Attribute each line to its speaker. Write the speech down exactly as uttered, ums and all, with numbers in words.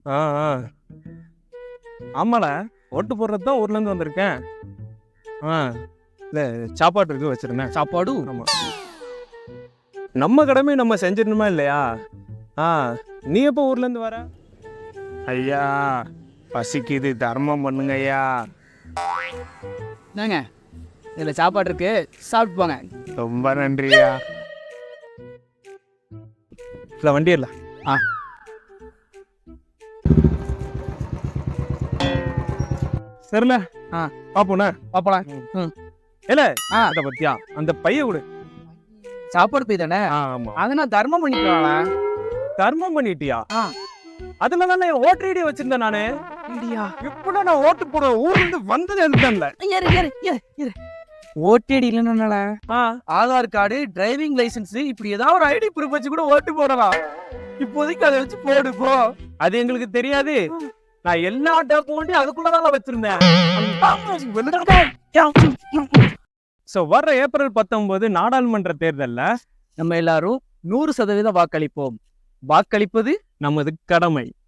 Speaker 1: ஆ ஆ ஆமால, ஓட்டு போடுறது தான் ஊர்ல இருந்து வந்திருக்கேன். ஆ இல்ல, சாப்பாடு இருக்கு வச்சிருந்தேன்.
Speaker 2: சாப்பாடு
Speaker 1: ஆமா, நம்ம கடமை நம்ம செஞ்சிடணுமா இல்லையா? ஆ நீ எப்போ ஊர்ல இருந்து வர? ஐயா பசிக்குது, தர்மம் பண்ணுங்க ஐயா.
Speaker 2: என்னங்க இதில் சாப்பாடு இருக்கு, சாப்பிட்டு போங்க.
Speaker 1: ரொம்ப நன்றியா. இல்ல வண்டி இல்ல.
Speaker 2: ஆ
Speaker 1: சரில.
Speaker 2: ஆ
Speaker 1: பாப்போண்ணே.
Speaker 2: பாப்பலாம். ம்
Speaker 1: இல்ல
Speaker 2: ஆ
Speaker 1: அத பத்தியா அந்த பைய கொடு.
Speaker 2: சாப்பாடு போய் தானே,
Speaker 1: ஆ ஆமா.
Speaker 2: அதை நான் தர்மம் பண்ணிக்கலாம்.
Speaker 1: தர்மம் பண்ணிட்டியா?
Speaker 2: ஆ
Speaker 1: அதுல தானே ஓட்டர் ஐடி வச்சிருந்தேன் நானு.
Speaker 2: இண்டியா
Speaker 1: இப்ப நான் ஓட்டு போட ஊர்ல இருந்து வந்தது எதுல?
Speaker 2: ஏறு ஏறு ஏறு ஏறு. ஓட்டேடி இல்லைன்னால
Speaker 1: ஆ
Speaker 2: ஆதார் கார்டு, டிரைவிங் லைசென்ஸ், இப்படி ஏதாவது ஒரு ஐடி ப்ரூஃப் வச்சு கூட ஓட்டு போடலாம். இப்போதைக்கு அதை வச்சு போடு போ.
Speaker 1: அது எங்களுக்கு தெரியாது. நான் எல்லா டாக்குமெண்ட்டையும் அதுக்குள்ளதான் வச்சிருந்தேன். சோ வர்ற ஏப்ரல் பத்தொன்பது நாடாளுமன்ற தேர்தல்ல
Speaker 2: நம்ம எல்லாரும் நூறு சதவீதம் வாக்களிப்போம். வாக்களிப்பது
Speaker 1: நமது கடமை.